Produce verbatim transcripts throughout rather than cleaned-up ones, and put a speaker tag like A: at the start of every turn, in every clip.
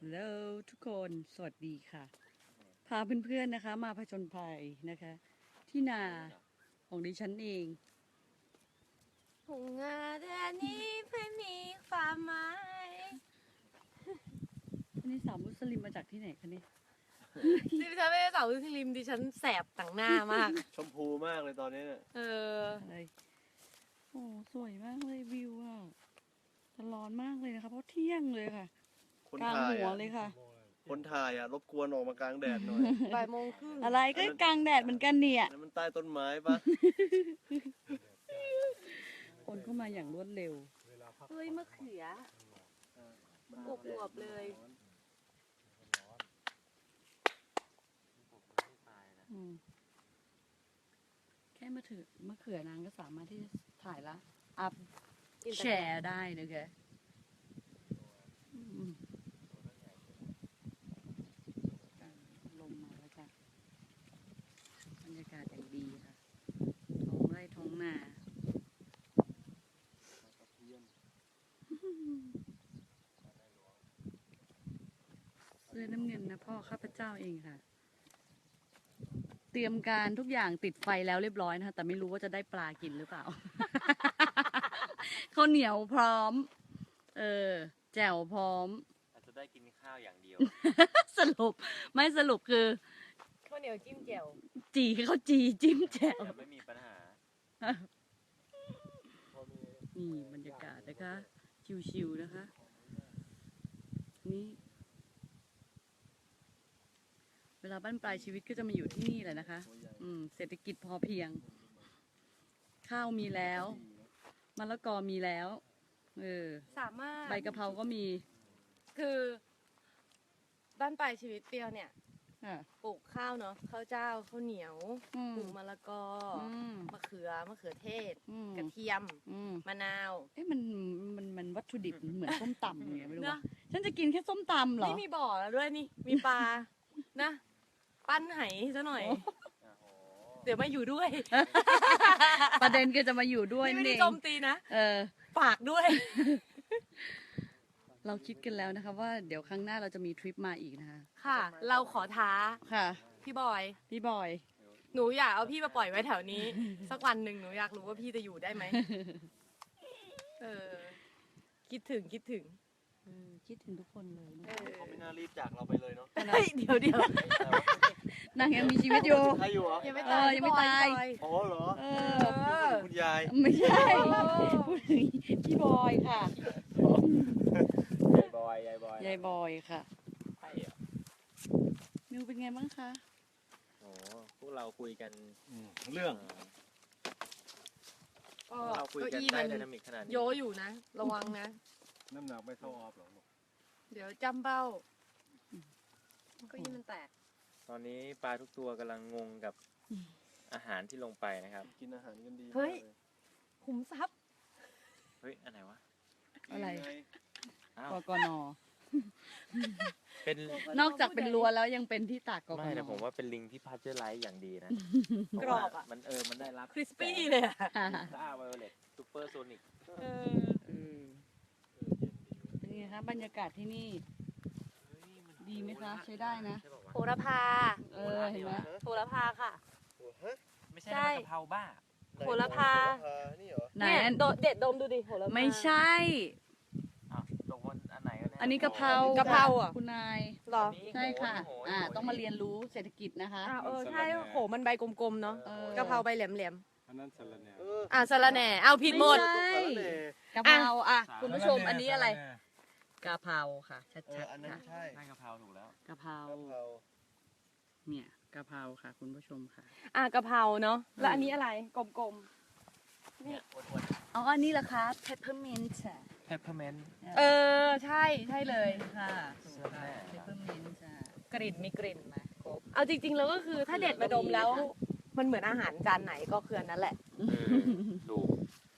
A: Hello ทุกคนสวัสดีค่ะ พาเพื่อนๆนะคะ มาผจญภัยนะคะ ที่นาของดิฉันเอง
B: หุงงาแดนนี้ไม่มีความหมาย
A: อันนี้สาวมุสลิมมาจากที่ไหนคะเนี่ย
B: ดิฉันไม่ได้สาวมุสลิมดิฉันแสบต่างหน้ามาก
C: ชมพูมากเลยตอนนี้เนี่ย
B: เออ
A: อะไรโอ้สวยมากเลยวิวอ่ะแต่ร้อนมากเลยนะคะ เพราะเที่ยงเลยค่ะ
C: คน
A: กลาง
C: ถ่าย
A: หัว
C: อ่ะ
A: เลยค่ะ
C: คนถ่ายอ่ะรบกวนออกมากลางแดดหน่อย
B: บ่ายโมงครึ่ง
A: อะไรก็กลางแดดเหมือนกันเนี่ย
C: นั่นมันใต้ต้นไม้ปะ
A: คนเข้ามาอย่างรวดเร็ว
B: เฮ้ยมะเขืออวบๆเลย
A: อืมแค่มาถือมะเขือนางก็สามารถที่จะถ่ายละอัพแชร์ได้นะคะอืมลมมาแล้วจ้ะบรรยากาศอย่างดีค่ะ ท้องไร่ท้องนาเสื้อน้ำเงินนะพ่อข้าพเจ้าเองค่ะ เตรียมการทุกอย่างติดไฟแล้วเรียบร้อยนะคะแต่ไม่รู้ว่าจะได้ปลากินหรือเปล่า ข้าวเหนียวพร้อม เออ แจ่วพร้อม
D: อาจจะได้กินข้าวอย่างเดียว
A: สรุป ไม่สรุปคือ
B: ข้าวเหนียวจิ้มแจ่ว
A: จีเขาจีจิ้มแจ่ว
D: แต่ไม่มีปัญหา
A: นี่บรรยากาศนะคะ ชิวๆนะคะ นี่ เวลาบ้านปลายชีวิตก็จะมาอยู่ที่นี่แหละนะคะ อืม เศรษฐกิจพอเพียง ข้าวมีแล้วมะละกอมีแล้ว เออ
B: สามารถ
A: ใบกะเพราก็มี
B: คือบ้านปลายชีวิตเปรี้ยวเนี่ย
A: อ่ะ
B: ปลูกข้าวเนาะข้าวเจ้าข้าวเหนียว
A: อืม
B: ปลูกมะละกออ
A: อืม
B: มะเขือมะเขือเทศ
A: อืม
B: กระเทียม
A: อืม
B: มะนาว
A: เอ๊ะมันมันมันวัตถุดิบเหมือนส้มตำไงไม่รู้
B: เน
A: ว่า
B: อะ
A: ฉันจะกินแค่ส้มตำเหรอ
B: นี่มีบ่อแล้วด้วยนี่ มีปลา นะ ปั้นไหซะหน่อย เดี๋ยวมาอยู่ด้วย
A: ประเด็นคือจะมาอยู่ด้วย
B: นี่ไม่
A: นี่
B: ได้
A: เอง
B: โจมตีนะ
A: เออ
B: ฝากด้วย
A: เราคิดกันแล้วนะคะว่าเดี๋ยวครั้งหน้าเราจะมีทริปมาอีกนะคะ
B: ค่ะ เราขอท้า
A: ค่ะ
B: พี่บอย
A: พี่บอย
B: หนูอยากเอาพี่มาปล่อยไว้แถวนี้ สักวันหนึ่งหนูอยากรู้ว่าพี่จะอยู่ได้ไหม เออ คิดถึงคิดถึง
A: เออคิดถึงทุกคนเลยนะ
B: เออ
C: เขาไม่น่ารีบจากเราไปเลยเนาะ
B: เฮ้ยเดี๋ยวเดี๋ยวน
A: างยังมีชีวิตอยู่
C: ใครอยู่เหรอ
B: ยังไม่
A: เอ
B: ตา
A: อย ยังไม่ตาย
B: พี่บอ
C: อ๋อเหรอ
A: เอ
B: เอ
A: อ
B: อ
C: คุณยาย
A: ไม่ใช่พูดถึงพี่บอยค่ะ
D: ยายบอย ยายบอย
A: ยายบอยค่ะ
D: ใช่เหรอ
A: มิวเป็นไงบ้างคะ
D: โอ้พวกเราคุยกัน
C: เรื่อง
D: เอ่อ
B: ก็
D: เราคุย
B: เก้า
D: กัน
B: อี้
D: ได้
B: มัน
D: ไดนามิกขนาดนี้
B: โยอยู่นะ ระวังนะ
C: น้ำหนักไม่เท่าออฟหรอก
B: เดี๋ยวจำเบ้าเก้าอี้มันแตก
D: ตอนนี้ปลาทุกตัวกำลังงงกับอาหารที่ลงไปนะครับ
C: กินอาหารกันดี
B: เฮ้ย ขุมทรัพย์
D: เฮ้ย อันไหนวะ
A: อะไร
D: อ้าว
A: กกน
D: เป็น
A: นอกจากเป็นรั้วแล้วยังเป็นที่ตากกก
D: ไม่
A: น
D: แต่ผมว่าเป็นลิงที่พัชเจอร์ไลท์อย่างดีนะ
B: กรอบอะ
D: เพาว่ามันเออ มันได้รับ
B: คริสปี้เลยอะ
A: ค่ะ
D: ซ่าไวโอเลตซูเปอร์โซนิก
B: เออ
A: เออเป็นไงคะบรรยากาศที่นี่ ดีไหมคะใช้ได้นะ
D: ใช่ปว
B: โหระพา
A: เออเห็นไหม
B: โหระพาค่ะ
D: ไม่ใช่
B: ใช่
D: น้ำกะเพราบ้า
B: โหระพา
C: นี่เหรอ
A: ไหน
B: เนี่ย
A: อัน
B: โดเด็ดดมดูดิโหระพา
A: ไม่ใช่
D: อ้าวตกวันอันไหนกันแน่
A: อันนี้กะเพราก
B: ะเพราอะ
A: คุณนาย
B: เหรอ
A: ใช่ค่ะ
D: โโห
A: อ่า
D: โโห
A: ต้องมาเรียนรู้เศรษฐกิจนะคะ
B: อ่าเออใช่โหมันใบกลมๆเนาะ
A: เออ
B: กะเพราใบแหลม
E: อันนั้นสลัดแหน่
C: เออ
B: ๆอ่ะสะระแหน่เอาผิดหมด
A: ไม่ใช่
C: สารแหน่
A: กะเพราอ่ะ
D: สา
A: คุณผู้ชมอันนี้อะไรกะเพราค่ะ ชั
C: เออ
A: ด
C: อัน
A: ๆ
C: นั้น
A: ค่ะ
C: ใช่
D: นั่นกะเพราถูกแล้ว
A: กะเพราก
C: ะเพรา
A: เนี่ยกะเพราค่ะ คุณผู้ชมค่ะ
B: อ่ะกะเพราเนาะแล้วอันนี้อะไรกลม
D: เนี่ยอ้วน
A: เอาอันนี้ละคะ peppermint ค่ะ
D: ๆ peppermint
B: ๆเออใช่ใช่เลย
A: ค่ะถูกค่ะ peppermint ค่ะ
B: กลิ่นมีกลิ่นไหมเอาจริงๆแล้วก็คือถ้าเด็ดมาดมแล้ว มันเหมือนอาหารจานไหนก็คืออันนั้นแหละ
D: เออถูก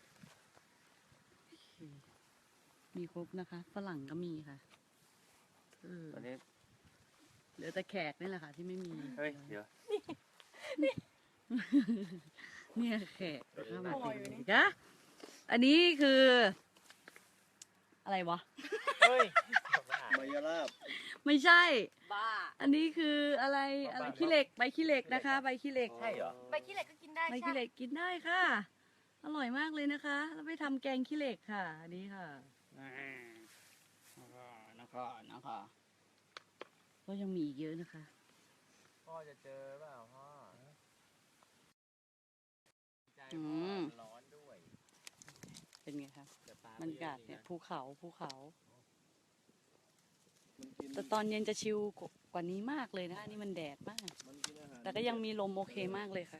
A: มีครบนะคะ ฝรั่งก็มีค่ะเออ
D: ตอนนี้
A: เหลือแต่แขกนี่แหละค่ะ ที่ไม่มี
D: เฮ้ย เดี๋ยว
A: เนี่ยแขกเข้ามา
B: โอ้ย
A: เต็มเลยจ้ะอันนี้คือ อะไรวะ
D: เฮ้ย
C: มายาลาบ
A: ไม่ใช่
B: บ้า
A: อันนี้คืออะไรอะไรขี้เหล็กใบขี้เหล็กนะคะ ใบขี้เหล็ก
D: ใช่เหรอ
B: ใบขี้เหล็กก็กินได้
A: ใบ
B: ใช่
A: ขี้เหล็กกินได้ค่ะ อร่อยมากเลยนะคะ แล้วไปทำแกงขี้เหล็กค่ะอันนี้ค่ะนะคะนะคะนะคะก็ยังมีอีกเยอะนะคะ
D: พ่อจะเจอเปล่าพ่อใจ
A: อื
D: พ่อ
A: ม
D: ร้อนด้วย
A: เป็นไงคะ
D: แต่ปล
A: บรรยากาศเนี่ยภูเขาภูเขา
C: มันกิน
A: แต่ตอนเย็นจะชิลกว่านี้มากเลยนะคะนี่มันแดดมาก
C: มันกินอาหาร
A: แต่ก็ยังมีลมโอเคมากเลยค่ะ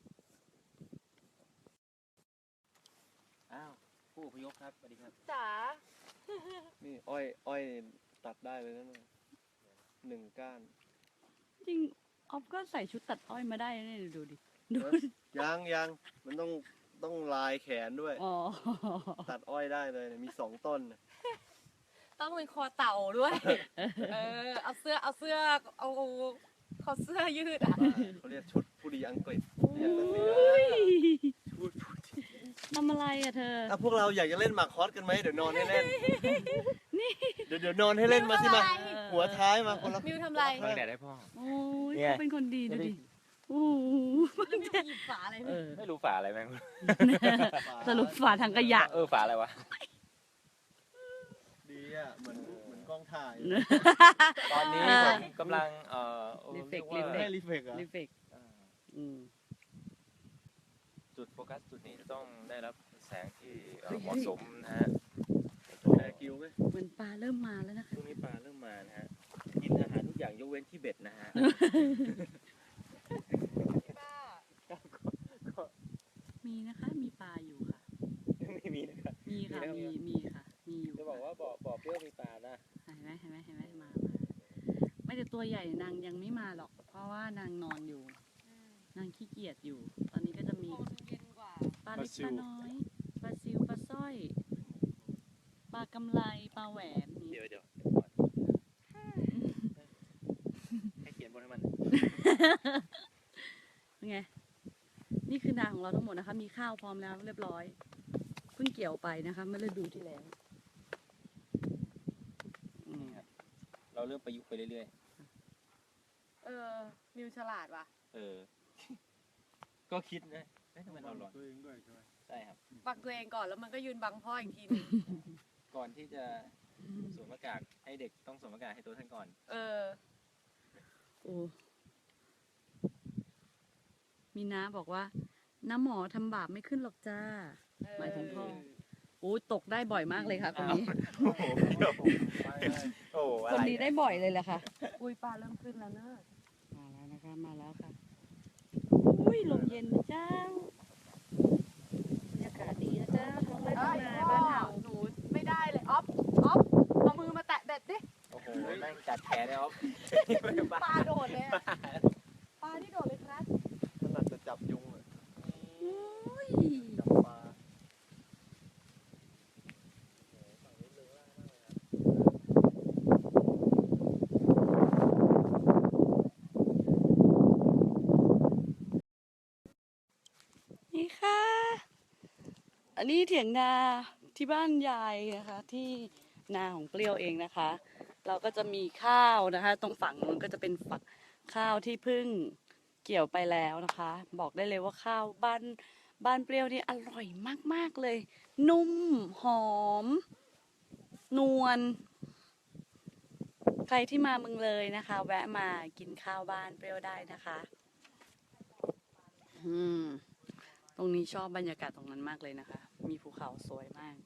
D: อ้าวผู้อพยพครับสวัสดีครับ
B: จ๋า
C: นี่อ้อยอ้อยตัดได้เลยนะเนี่ยหนึ่งก้าน
A: จริงออฟก็ใส่ชุดตัดอ้อยมาได้นะเนี่ยดูดิดู
C: เอ้ยยังยังมันต้องต้องลายแขนด้วย
A: อ๋อ
C: ตัดอ้อยได้เลยเนี่ยมีสองต้นน่ะ
B: ต้องเป็นคอเต่าด้วย เออ เอาเสื้อ เอาเสื้อ เอาคอเสื้อยืดอ่ะ
C: เขาเรียกชุดผู้ดีอังกฤษ
A: อุ้ย
C: ชุดผู้ดี
A: ทำอะไรอะเธอ
C: อ่ะพวกเราอยากจะเล่นหมากคอสกันไหมเดี๋ยวนอนให้เล่นเดี๋ยวเดี๋ยวนอนให้เล่นมาสิมา
B: มิวทำอะไร
C: หัวท้ายมาคนละ
B: มิวทำไร
D: บังแดดให้พ่อ
A: โอ้ย
D: เนี่ย
A: เขาเป็นคนดีดูดิโอ้โห
B: มิวหยิบฝาอะไร
A: เอ
B: ไม่
A: อ
D: ไม่รู้ฝาอะไรแม่ง
A: สรุปฝาทางขยะ
D: เออฝาอะไรวะ
C: ดีอ่ะเหมือนเหมือนกล้องถ่าย
D: ตอนนี้
A: อ่า
D: ผมกำลังเอ่อเอ่อ
A: รีเฟ
D: เรี
A: ก
D: ย
A: ต์
D: กว่า
C: ให้รีเฟกต์อ่ะ
A: รีเฟกต์
D: อ่า
A: อืม
D: จุดโฟกัสจุดนี้จะต้องได้รับแสงที่เอ่อ
A: เฮ้ย
D: เหมาะสมนะฮะ
C: แอร์กิวไหม
A: เหมือนปลาเริ่มมาแล้วนะคะ
D: ช่วงนี้ปลาเริ่มมานะฮะกินอาหารทุกอย่างยกเว้นที่เบ็ดนะฮะ
B: บ้า
A: มีนะคะ มีปลาอยู่ค่ะ
D: ไม่มีนะครับ
A: มีค่ะ
D: มี
A: มี
D: นะครับ
A: มีค่ะ มีอยู่
D: จะบอกว่าบ่อบ่อเปรี้ยวมีปลานะ
A: เห็นไหมเห็นไหมเห็นไหมมา มา ไม่แต่ตัวใหญ่นางยังไม่มาหรอก เพราะว่านางนอนอยู่ นางขี้เกียจอยู่ ตอนนี้ก็จะมี
B: โคนเย็นกว่า
A: ปลาเล็กปลาน้อย ปลาซิว ปลาสร้อย ปลากำไล ปลาแหวนนี่
D: เดี๋ยวเดี๋ยวให้เขียนบนให้มัน
A: เป็นไง นี่คือนาของเราทั้งหมดนะคะ มีข้าวพร้อมแล้วเรียบร้อย เพิ่งเกี่ยวไปนะคะเมื่อฤดูที่แล้วอืม
D: เราเริ่มประยุกต์ไปเรื่อย
B: เออ มิวฉลาดว่ะ
D: ๆ เออ ก็คิดนะเอ๊ะทำไมเราร้อน
C: ตัวเองด้วยใช่ไหม
D: ใช่ครับ
B: ปักตัวเองก่อนแล้วมันก็ยืนบังพ่ออีกทีนึง
D: ก่อนที่จะสวมหน้ากากให้เด็กต้องสวมหน้ากากให้ตัวท่านก่อน
B: เออ
A: โอ้ มีน้าบอกว่า น้าหมอทำบาปไม่ขึ้นหรอกจ้า หมายถึงพ่อ โอ้ตกได้บ่อยมากเลยค่ะคนนี้
D: โอ้โหโอ้โหอะ
A: คน
D: ไร
A: นี้ได้บ่อยเลยแหละค่ะ อุ้ยปลาเริ่มขึ้นแล้วเนอะมาแล้วนะคะ มาแล้วค่ะ อุ้ยลมเย็นนะเจ้าบรรยากาศดีนะเจ้าท้องไร่ท้องนาบ้านเฮา
B: หนูไม่ได้เลยออฟออฟเอามือมาแตะเบ็ดดิ
D: โอ้โหแม่งจัดแขนเลยครับ
B: ปลาโดดเลยอะปลาที่โดดเลยครับ
C: ถนัดจะจับยุงอ่ะ
A: อุ้ย
C: จับปลา
A: นี่ค่ะ อันนี้เถียงนาที่บ้านยายนะคะ ที่นาของเปรี้ยวเองนะคะ เราก็จะมีข้าวนะคะ ตรงฝั่งนู้นก็จะเป็นฝักข้าวที่เพึ่งเกี่ยวไปแล้วนะคะ บอกได้เลยว่าข้าวบ้านบ้านเปรี้ยวนี่อร่อยมากๆเลย นุ่มหอม นวลใครที่มาเมืองเลยนะคะ แวะมากินข้าวบ้านเปรี้ยวได้นะคะ อืม ตรงนี้ชอบบรรยากาศตรงนั้นมากเลยนะคะ มีภูเขาสวยมาก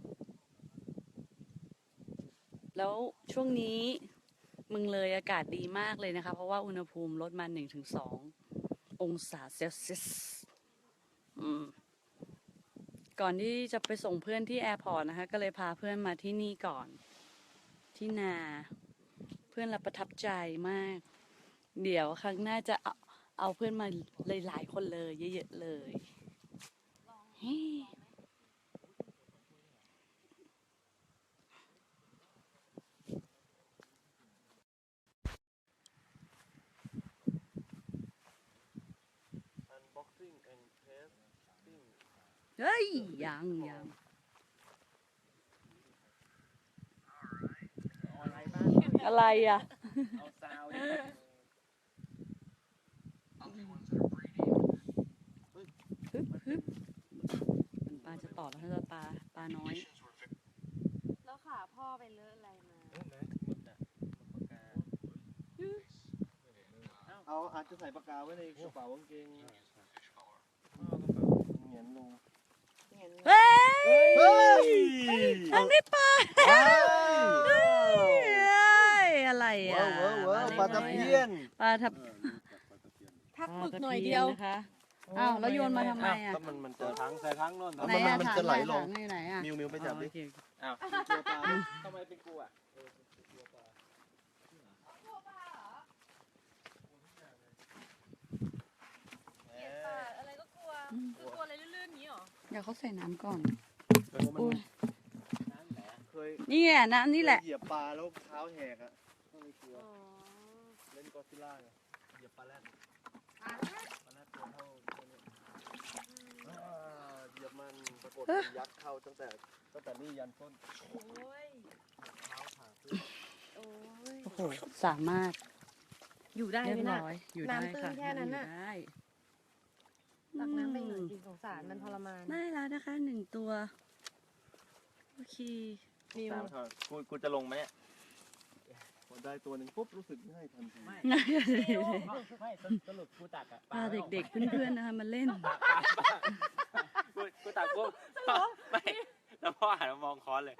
A: แล้วช่วงนี้เมึงเลยอากาศดีมากเลยนะคะ เพราะว่าอุณหภูมิลดมาหนึ่งถึงสององศาเซลเซียสอืม ก่อนที่จะไปส่งเพื่อนที่แอร์พอร์ตนะคะ ก็เลยพาเพื่อนมาที่นี่ก่อน ที่นา เพื่อนเราประทับใจมาก เดี๋ยวครั้งหน้าจะเอาเอาเพื่อนมาเลยหลายคนเลยเยอะๆเลยเฮ้
C: อันบ็อกซิ่งแอนด์เทสติ้ง
A: เฮ้ยยังยัง
D: อะไรบ้าง
A: อะไรอ่ะ
D: เอาซาวดิ
A: ฮึบฮึบมันปลาจะต่อแล้วถ้าจะปลาปลาน้อย
B: แล้วขาพ่อไปเลอะอะไรมา
D: เออนะหมึกอ่ะหมึกปากกา
C: เอาอาจจะใส่ปากกาไว้ในกระเป๋ากางเกง
D: พ่อกระเป๋า
C: เหงียนลง
A: เฮ้ย
C: เฮ้ย
A: ทางนี้ปลา
C: ว้าว
A: เฮ้ยอะไรอ่ะ
C: ว้าวว้าวปลาตะเพียน
A: ปลาทับ
B: ทักหมึกหน่อยเดียว
A: ปลาตะพีนะคะอ้าวแล้วโยนมาทำไมอ่ะ
C: ก็มันมันจะ
E: ถังใส่ถังโน่น
C: เอา
A: ไหน
C: มัน
A: อ่ะ
C: มัน
A: ถัง
C: จะไหลลง
A: ถัไหนอ่ะ
C: มิวมิวไปจับดิ
A: อ๋อโอเค
D: อ้าว
C: ตัวปลา
D: ทำไมเป็นกูอ่ะ
B: อะไรก็กลัว คือกลัวอะไรลื่นๆนี้หรอ
A: เดี๋ยวเขาใส่น้ำก่อน
C: โอ้มัน
A: อุ้ย
D: น้ำไหนอะ
C: เคย
A: นี่ไงน้ำนี่แหละ
C: เหยียบปลาแล้วเท้าแหกอ่ะก็เลยกลัว
B: อ๋อ
C: เล่นกอซิลล่าไงเหยียบปลาแรด
B: อ่ะ
C: ปลาแรดตัวเท่าเท่านี้อ่าเหยียบมันปรากฏมันยัดเข้าตั้งแต่ตั้งแต่นี่ยันต้น
B: โอ้ย
C: เท้าผ่าขึ้น
B: โอ้ย
A: โอ้โหสามารถ
B: อยู่ได้
A: เรีย
B: ไหม
A: บ
B: น่ะ
A: ร้อยอยู่ได้
B: น้ำตื้น
A: ค่ะ
B: แค่นั้นน่ะ
A: อยู่ได้
B: ตักน้ำไปหน่อยสิสงสารมันทรมาน
A: ได้แล้วนะคะหนึ่งตัวโอเค
B: มิว
D: สามท่อนกูกูจะลงไหมเนี่ย
C: พอได้ตัวหนึ่งปุ๊บรู้สึกง่ายทันที
D: ไม่สรุปกูตักอ่ะ
A: พาเด็กๆเพื่อนๆนะคะมาเล่น
D: กูกูตักปุ๊บไม่แล้วพ่อหันมามองค้อนเลย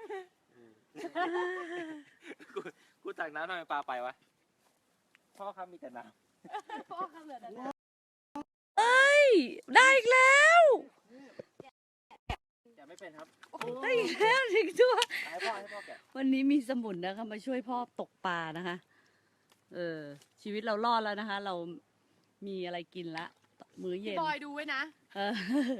D: กูกูตักน้ำทำไมปลาไปวะพ่อครับมีแต่น้
B: พ่อคำเหลือแต่น้
A: เอ้ยได้อีกแล้ว
D: ำแกะไม่เป็นครับ
A: ได้อีกแล้วถึงตัว
D: ให้พ่อให้พ่อแกะ
A: วันนี้มีสมุนนะคะมาช่วยพ่อตกปลานะคะ เออ ชีวิตเรารอดแล้วนะคะ เรามีอะไรกินละมื้อ
B: ำ
A: เย็
B: พี่
A: น
B: บอยดูไว้นะ
A: เออ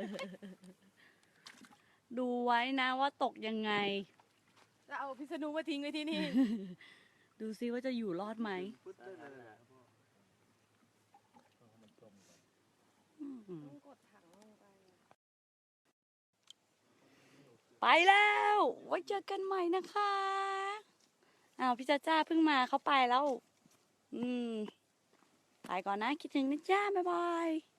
A: ดูไว้นะว่าตกยังไง
B: จะเอาพิษณุมาทิ้งไว้ที่นี่
A: ดูซิว่าจะอยู่รอดไหม
C: ปึ๊ดได้เลยอะ
A: อืม
B: ต้องกดถังลงไป
A: ไปแล้ว ไว้เจอกันใหม่นะคะอ้าวพี่จ้าจ้าเพิ่งมาเขาไปแล้ว อืม ไปก่อนนะ คิดถึงนะจ้า บ๊ายบาย